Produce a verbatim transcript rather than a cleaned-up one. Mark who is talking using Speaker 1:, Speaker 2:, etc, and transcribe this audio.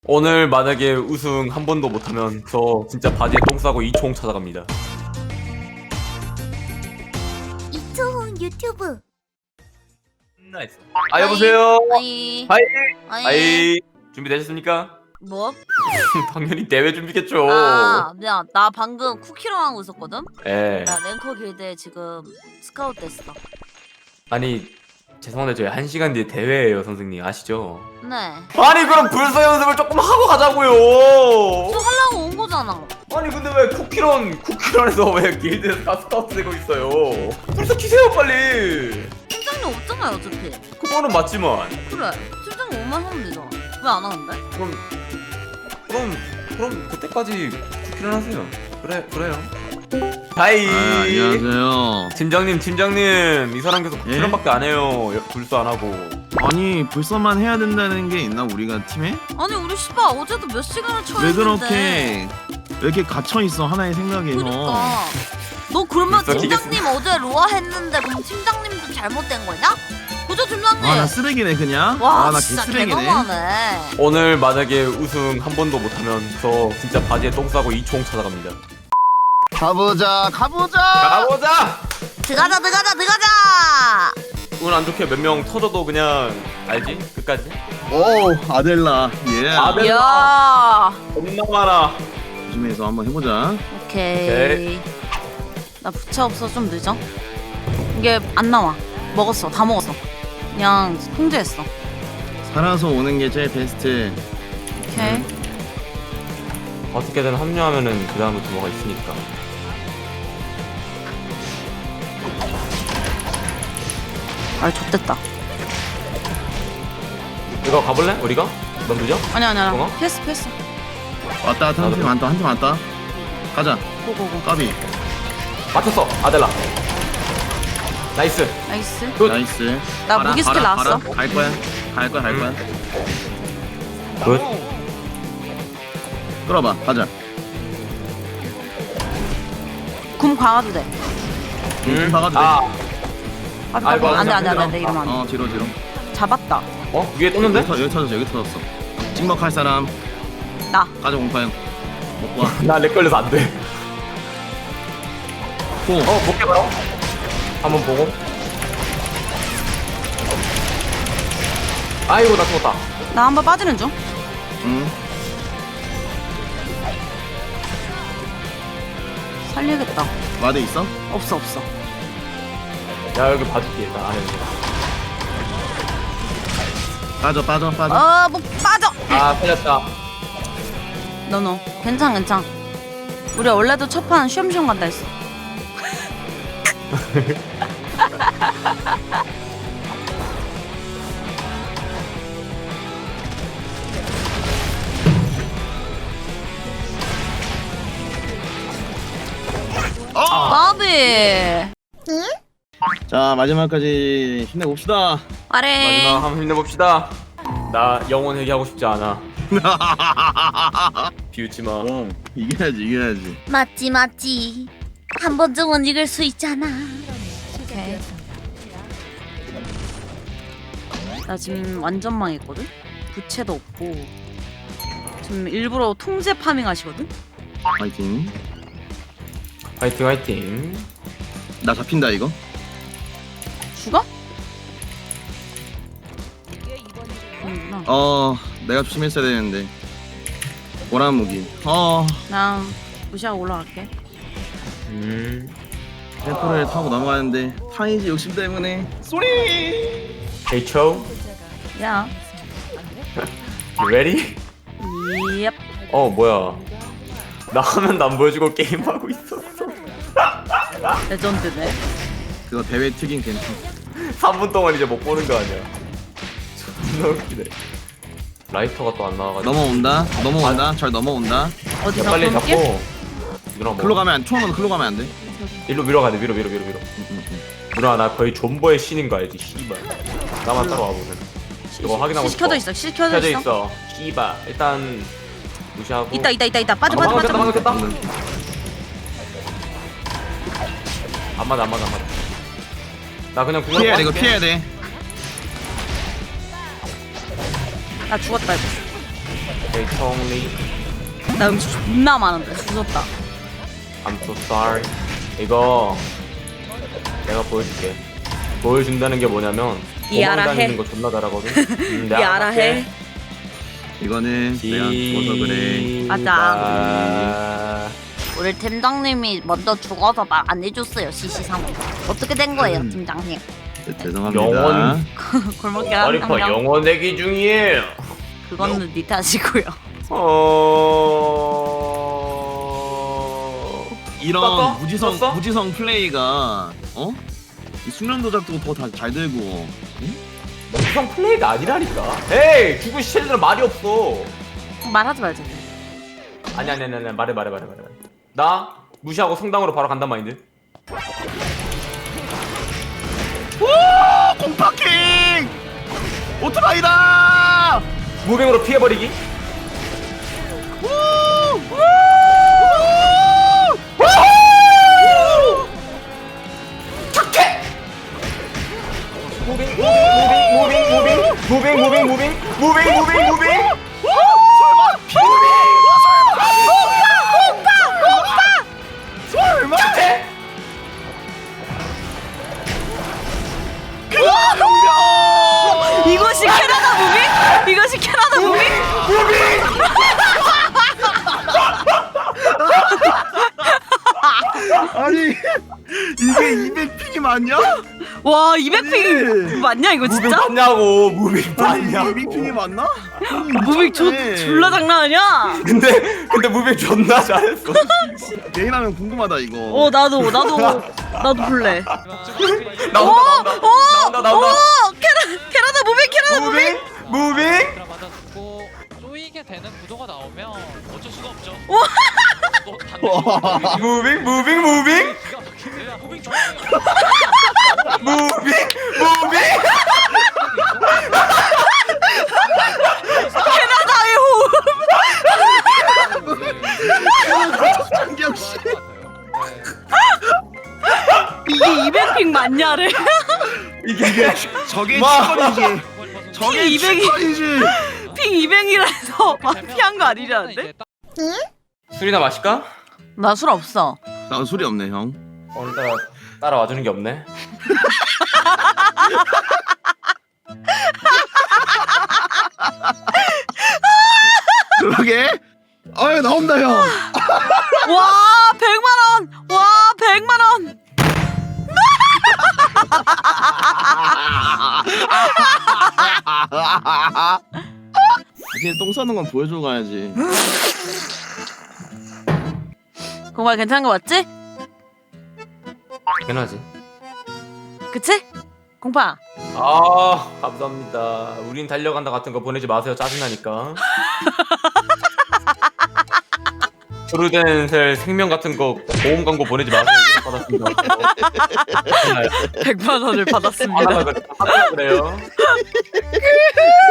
Speaker 1: 오늘 만약에 우승 한 번도 못하면 저 진짜 바지에 똥 싸고 이총 찾아갑니다.
Speaker 2: 이초훈 유튜브.
Speaker 1: 나이스. 아 여보세요.
Speaker 2: 아이.
Speaker 1: 하이.
Speaker 2: 아이.
Speaker 1: 아이 준비되셨습니까?
Speaker 2: 뭐?
Speaker 1: 당연히 대회 준비겠죠.
Speaker 2: 아, 미안. 나 방금 쿠키랑 하고 있었거든.
Speaker 1: 예.
Speaker 2: 나 랭커 길드에 지금 스카우트 됐어.
Speaker 1: 아니 죄송한데 저희 한 시간 뒤에 대회예요 선생님 아시죠?
Speaker 2: 네.
Speaker 1: 아니 그럼 불사 연습을 조금 하고 가자고요.
Speaker 2: 저 하려고 온 거잖아.
Speaker 1: 아니 근데 왜 쿠키런 쿠키런에서 왜 길드에서 다 스카우트 되고 있어요? 불사 키세요 빨리.
Speaker 2: 팀장님 없잖아요 어차피.
Speaker 1: 그거는 맞지만.
Speaker 2: 그래. 팀장님 오면 하면 되잖아. 왜 안 하는데?
Speaker 1: 그럼 그럼 그럼 그때까지 쿠키런 하세요. 그래 그래요. 하이.
Speaker 3: 아, 안녕하세요.
Speaker 1: 팀장님 팀장님 이 사람 계속
Speaker 3: 예?
Speaker 1: 쿠키런밖에 안 해요. 불사 안 하고.
Speaker 3: 아니 불사만 해야 된다는 게 있나 우리가 팀에?
Speaker 2: 아니 우리 씨발 어제도 몇 시간을 쳐야
Speaker 3: 왜 그렇게 왜 이렇게 갇혀 있어 하나의 생각에 형.
Speaker 2: 그러니까. 너 그러면
Speaker 1: 벌써
Speaker 2: 팀장님 어제 로아 했는데 그럼 팀장님도 잘못된 거냐? 그죠 팀장님?
Speaker 3: 아 나 쓰레기네 그냥.
Speaker 2: 와
Speaker 3: 아 나
Speaker 2: 진짜
Speaker 3: 개쓰레기네.
Speaker 2: 개너무하네.
Speaker 1: 오늘 만약에 우승 한 번도 못하면 저 진짜 바지에 똥 싸고 이총 찾아갑니다.
Speaker 3: 가보자 가보자.
Speaker 1: 가보자.
Speaker 2: 들어가자 들어가자 들어가자.
Speaker 1: 운 안 좋게 몇 명 터져도 그냥 알지? 끝까지.
Speaker 3: 오 아델라. 예.
Speaker 1: 아델라.
Speaker 2: 이야.
Speaker 1: 겁나 많아.
Speaker 3: 조심해서 한번 해보자.
Speaker 2: 오케이.
Speaker 1: 오케이.
Speaker 2: 나 부채 없어 좀 늦어. 이게 안 나와. 먹었어 다 먹었어. 그냥 통제했어.
Speaker 3: 살아서 오는 게 제일 베스트.
Speaker 2: 오케이.
Speaker 1: 어떻게든 합류하면은 그 다음부터 뭐가 있으니까.
Speaker 2: 아 좆됐다.
Speaker 1: 이거 가볼래? 우리가? 넌 늦어?
Speaker 2: 아니 아니 아니.
Speaker 1: 뭐가?
Speaker 2: 패스 패스.
Speaker 3: 왔다 왔다 한팀 왔다 한 팀 왔다. 가자.
Speaker 2: 고고고.
Speaker 3: 까비.
Speaker 1: 맞췄어 아델라. 나이스.
Speaker 2: 나이스.
Speaker 1: 굿.
Speaker 3: 나이스.
Speaker 2: 나
Speaker 3: 가라,
Speaker 2: 무기 스킬
Speaker 3: 가라,
Speaker 2: 나왔어.
Speaker 3: 가라. 갈 거야. 갈 거야 갈 거야.
Speaker 1: 굿.
Speaker 3: 끌어봐 가자.
Speaker 2: 금 광아도 돼.
Speaker 3: 응. 박아도 돼.
Speaker 1: 아.
Speaker 2: 아,
Speaker 1: 아이고,
Speaker 2: 안돼 안돼
Speaker 1: 힘들어.
Speaker 2: 안돼 이러면 안 돼.
Speaker 3: 어 뒤로 뒤로.
Speaker 2: 잡았다.
Speaker 1: 어? 위에 떴는데?
Speaker 3: 여기, 터, 여기 터졌어 여기 터졌어. 찍먹할 사람
Speaker 2: 나.
Speaker 3: 가자 공파형 먹고 와.
Speaker 1: 나렉 걸려서 안 돼.
Speaker 3: 호.
Speaker 1: 어, 볼게 바로. 한번 보고. 아이고 나 죽었다.
Speaker 2: 나 한 번 빠지는 중.
Speaker 3: 응.
Speaker 2: 살려야겠다.
Speaker 3: 와드 있어?
Speaker 2: 없어 없어.
Speaker 1: 야 여기 봐줄게 나 안에.
Speaker 3: 빠져 빠져 빠져.
Speaker 2: 어뭐 빠져.
Speaker 1: 아 살렸다.
Speaker 2: 너너 괜찮 괜찮. 우리 원래도 첫판 쉬엄쉬엄 간다 했어.
Speaker 3: 어!
Speaker 2: 바비.
Speaker 3: 자 마지막까지 힘내봅시다.
Speaker 2: 아래.
Speaker 1: 마지막 한번 힘내봅시다. 나 영혼 회개하고 싶지 않아. 비웃지 마.
Speaker 3: 어, 이겨야지 이겨야지.
Speaker 2: 맞지 맞지. 한 번쯤은 이길 수 있잖아. 오케이. 나 지금 완전 망했거든. 부채도 없고. 지금 일부러 통제 파밍 하시거든.
Speaker 3: 파이팅.
Speaker 1: 화이팅 화이팅.
Speaker 3: 나 잡힌다 이거.
Speaker 2: 죽어? 응,
Speaker 3: 어 내가 조심했어야 되는데. 보란 무기. 어
Speaker 2: 나 무시하고 올라갈게.
Speaker 1: 음.
Speaker 3: 템포를 타고 넘어가는데 타이지 욕심 때문에 쏘리.
Speaker 1: 헤이초.
Speaker 2: 야.
Speaker 1: ready?
Speaker 2: 옙.
Speaker 1: 어 뭐야? 나 화면도 안 보여주고 게임 하고 있었어.
Speaker 2: 레전드네.
Speaker 3: 그거 대회 특인 괜찮.
Speaker 1: 삼 분 동안 이제 못 보는 거 아니야? 존나 웃기네. 라이터가 또 안 나와가지고.
Speaker 3: 넘어온다. 넘어온다. 잘 넘어온다.
Speaker 2: 어디서
Speaker 1: 야, 빨리
Speaker 2: 볼게?
Speaker 1: 잡고. 누나 뭐?
Speaker 3: 글로 가면 안 총은 글로 가면 안 돼.
Speaker 1: 일로 밀어 가야 돼. 밀어 밀어 밀어 밀어.
Speaker 3: 응, 응, 응.
Speaker 1: 누나 나 거의 존버의 신인 거 알지? 씨발. 나만 따라와 보면. 이거 확인하고
Speaker 2: 실 켜져
Speaker 1: 싶어.
Speaker 2: 있어. 실 켜져
Speaker 1: 켜져
Speaker 2: 있어.
Speaker 1: 있어. 씨발. 일단 무시하고.
Speaker 2: 있다 있다 있다 있다. 빠져
Speaker 1: 아,
Speaker 2: 빠져 빠져.
Speaker 1: 방금 깼다,
Speaker 2: 빠져.
Speaker 1: 방금 깼다. 안 맞아 안 맞아 안 맞아. 나 그냥 궁으로
Speaker 3: 피해야 돼 이거
Speaker 1: 빠질게.
Speaker 3: 피해야 돼.
Speaker 2: 나 죽었다 이거.
Speaker 1: They told me
Speaker 2: 나 음식 존나 많은데 주웠다.
Speaker 1: I'm so sorry. 이거 내가 보여줄게. 보여준다는 게 뭐냐면
Speaker 2: 이해하라
Speaker 1: 도망 다니는
Speaker 2: 해.
Speaker 1: 거 존나 잘하거든. 음, 내가
Speaker 2: 야라 해.
Speaker 3: 이거는 내가 죽어서 그래.
Speaker 2: 맞아.
Speaker 1: 아...
Speaker 2: 우리 팀장님이 먼저 죽어서 말 안 해줬어요. 시시상으로. 어떻게 된 거예요,
Speaker 3: 음.
Speaker 2: 팀장님?
Speaker 3: 네, 죄송합니다.
Speaker 1: 영원
Speaker 2: 골목길
Speaker 1: 마리퍼
Speaker 2: 한장
Speaker 1: 영원 대기 중이에요.
Speaker 2: 그거는 니 탓이고요.
Speaker 1: 어...
Speaker 3: 이런
Speaker 1: 떴어?
Speaker 3: 무지성
Speaker 1: 떴어?
Speaker 3: 무지성 플레이가 어? 이 숙련 도작도 더 잘 되고. 응?
Speaker 1: 무성 플레이가 아니라니까. 에이 죽은 시체들은 말이 없어.
Speaker 2: 말하지 말자.
Speaker 1: 아니 아니 아니 아니 말해 말해 말해 말해. 나 무시하고 성당으로 바로 간단 마인드.
Speaker 3: 오! 공파킹! 오토바이다!
Speaker 1: 무빙으로 피해버리기.
Speaker 3: 우! 우!
Speaker 1: 착해. 무빙 무빙 무빙 무빙 무빙 무빙 무빙 무빙 무빙 무빙 무빙.
Speaker 3: 설마 피비! 설마! 설마!
Speaker 1: 착해.
Speaker 2: 이것이 캐나다 무빙? 이것이 캐나다 무빙?
Speaker 3: 아니 이게 이백 픽이 맞냐?
Speaker 2: 와 이백 픽
Speaker 3: 아니.
Speaker 2: 맞냐 이거
Speaker 1: 무빙
Speaker 2: 진짜?
Speaker 1: 봤냐고 무빙
Speaker 3: 아니
Speaker 1: 봤냐고.
Speaker 3: 이백 픽이 맞나?
Speaker 2: 무빙 존 졸라 장난 아니야?
Speaker 1: 근데 근데 무빙 존나 잘했어.
Speaker 3: 개인하면 궁금하다 이거.
Speaker 2: 어 나도 나도 나도 볼래.
Speaker 1: 나온다 나온다 나온다 나온다.
Speaker 2: 오 캐나 캐나다 무빙 캐나다 무빙.
Speaker 1: 무빙 무빙.
Speaker 4: 맞아주고 쪼이게 되는 구도가 나오면 어쩔 수가 없죠.
Speaker 2: 와.
Speaker 4: 너
Speaker 3: 와.
Speaker 1: 무빙 무빙 무빙
Speaker 4: 기가 막히네. 무빙 좋아.
Speaker 1: 무빙 무빙.
Speaker 2: 캐나다의 호흡.
Speaker 3: 장경 씨.
Speaker 2: 이게 이백 픽 맞냐래?
Speaker 1: 이게
Speaker 3: 저게
Speaker 1: 마.
Speaker 3: 치권이지. 저게
Speaker 2: 이백이.
Speaker 3: 치권이지.
Speaker 2: 픽 이백이라 해서 마피한 거 아니라는데?
Speaker 1: 술이나 마실까?
Speaker 2: 나 술 없어.
Speaker 3: 나 소리 없네 형.
Speaker 1: 오늘따라 따라와주는 게 없네.
Speaker 3: 그러게. 아유 나온다 형.
Speaker 2: 와 백만 원. 와 백만 원.
Speaker 3: 이제 똥 싸는 건 보여주고 가야지.
Speaker 2: 정말 괜찮은 거 맞지?
Speaker 1: 당연하지.
Speaker 2: 그치? 공파.
Speaker 1: 아 감사합니다. 우린 달려간다 같은 거 보내지 마세요. 짜증나니까. 프루덴셀 생명 같은 거 보험 광고 보내지 마세요. 이런 거 받았습니다.
Speaker 2: 백만 원을 받았습니다.
Speaker 1: 하다가 그래요.